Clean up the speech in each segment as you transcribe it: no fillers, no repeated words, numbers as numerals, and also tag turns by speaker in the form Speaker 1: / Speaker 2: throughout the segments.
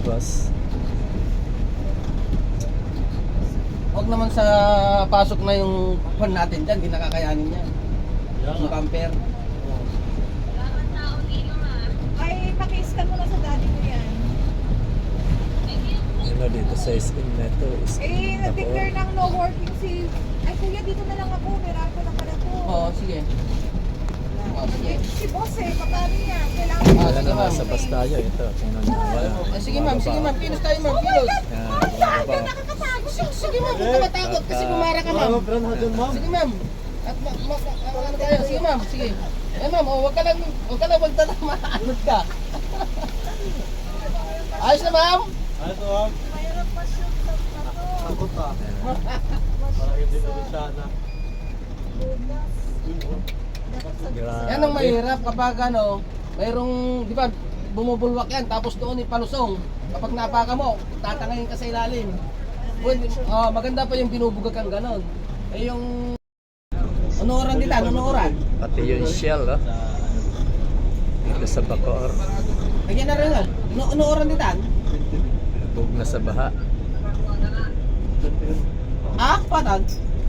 Speaker 1: boss.
Speaker 2: Huwag naman sa pasok na yung pan natin dyan, hindi nakakayanin yan. Yung camper.
Speaker 3: Ay, paki-scan mo na sa daddy ko yan.
Speaker 1: Ano dito sa skin na ito?
Speaker 3: Eh, na-declare ng no working si... Ay, kuya, dito na lang ako. Meron ko na pala to.
Speaker 2: Oo, sige. Oo, sige.
Speaker 3: Si boss eh, paano niya? Kailangan
Speaker 1: Wala
Speaker 2: sige,
Speaker 1: na
Speaker 2: ma'am.
Speaker 1: nasa bus tayo. Ito, tingnan nyo.
Speaker 2: Sige ma'am, kilos tayo ma'am, kilos.
Speaker 1: Yan, bumababa.
Speaker 3: nakakatago siya.
Speaker 2: Sige ma'am, huwag ka matakot kasi bumara ka ma'am. Sige ma'am. At ano tayo, sige ma'am, sige. Eh ma'am, oh, wag ka lang magtatama, anod ka. Ayos na ma'am?
Speaker 3: Mayroon pa siya sa
Speaker 4: Takot ah. Parang hindi na sana.
Speaker 1: Grabe.
Speaker 2: Yan ang mahirap kapag ano, mayroong, di ba, bumubulwak yan, tapos doon ipalusong. Kapag napaka mo, tatangayin ka sa ilalim. Well, maganda pa yung binubugak kang ganon. Eh yung, unuoran dita, unuoran.
Speaker 1: Pati yung shell, oh. Dito sa Bacoor.
Speaker 2: Lagyan na rin yan. Unuoran dita.
Speaker 1: Bug na sa baha.
Speaker 2: Ah, patag.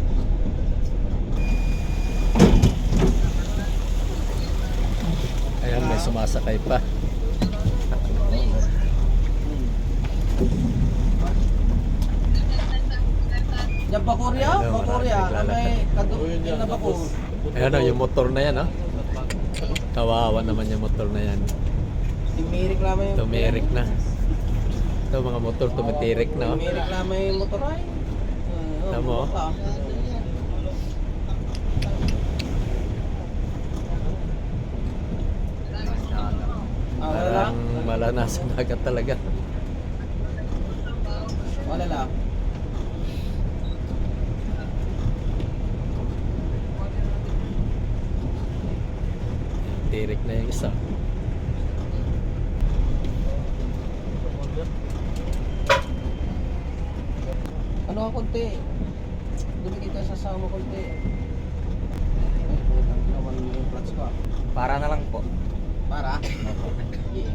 Speaker 1: Ayan, may sumasakay pa.
Speaker 2: Yan pa Korea?
Speaker 1: Ayun,
Speaker 2: Pa Korea.
Speaker 1: marami
Speaker 2: May kadupin na Bacoor.
Speaker 1: Ayan, oh, yung motor na yan, oh. Kawawa naman yung motor na yan.
Speaker 2: Tumirik lamang yung...
Speaker 1: Tumirik na. Ito, mga motor tumitirik na, oh.
Speaker 2: Tumirik lamang yung motor ay.
Speaker 1: Tama, oh.
Speaker 2: Wala lang.
Speaker 1: Parang malanasan agad talaga.
Speaker 2: Wala lang.
Speaker 1: Tirik na yung isa.
Speaker 2: Ano ang konti? Dumikit ka sa sama konti. Ay, putang naman yung clutch ko.
Speaker 4: Para na lang po.
Speaker 2: Para? Yeah.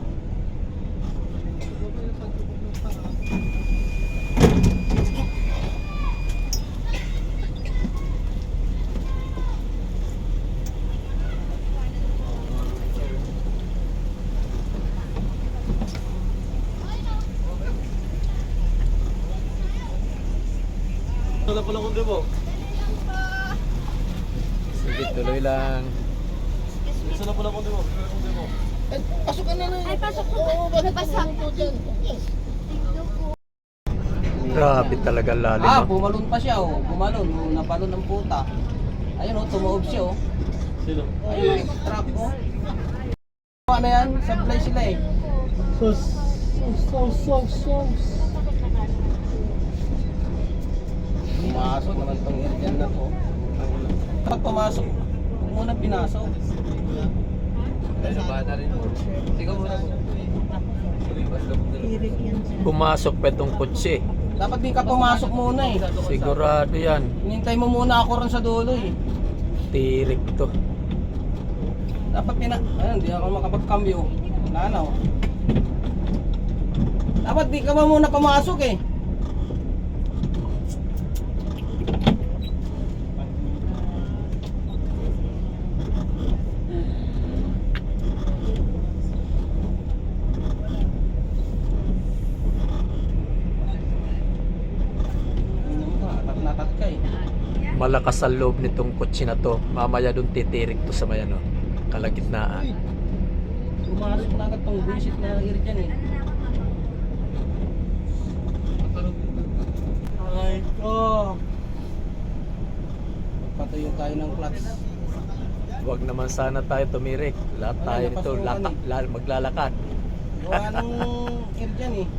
Speaker 4: Wala pala kundi mo.
Speaker 1: Sige, tuloy lang.
Speaker 4: Isa na pala kundi mo.
Speaker 2: Ay, pasok ka na na.
Speaker 3: Ay, pasok ko.
Speaker 2: Oo, bakit
Speaker 3: Nabasa.
Speaker 2: pumunta dyan?
Speaker 1: Grabe talaga lalim,
Speaker 2: Ah,
Speaker 1: oh.
Speaker 2: bumalon pa siya oh. Bumalon. Napalon ng puta. Ayun oh, tumaob siya oh.
Speaker 4: Sino?
Speaker 2: Ayun, truck oh. Ano yan? Supply sila eh. Pumasok naman itong area na to. Kapag pumasok, huwag muna pinasok.
Speaker 4: Bata rin mo. Ikaw muna po.
Speaker 1: Pumasok pa itong kutsi.
Speaker 2: Dapat di ka pumasok muna eh.
Speaker 1: Sigurado yan.
Speaker 2: Hinintay mo muna ako rin sa dulo eh.
Speaker 1: Tirik to.
Speaker 2: Dapat ayun, di ako makapag-cambio. Wala na oh. Dapat di ka ba muna pumasok eh. Natat ka eh.
Speaker 1: Malakas ang loob nitong kutsi na to. Mamaya dun titirik to sa may ano, kalagitnaan.
Speaker 2: Pumasok na agad tong buisit na iri dyan eh.
Speaker 4: Ay ko.
Speaker 2: Patuyo tayo ng clutch.
Speaker 1: Huwag naman sana tayo tumirik. Lahat
Speaker 2: Wala,
Speaker 1: tayo nito
Speaker 2: napasukan
Speaker 1: maglalakad.
Speaker 2: Gawa ng iri dyan eh.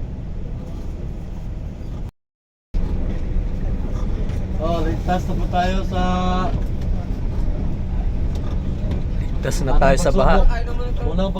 Speaker 4: Oh, ligtas na po tayo sa...
Speaker 1: Ligtas na tayo sa baha.
Speaker 4: Unang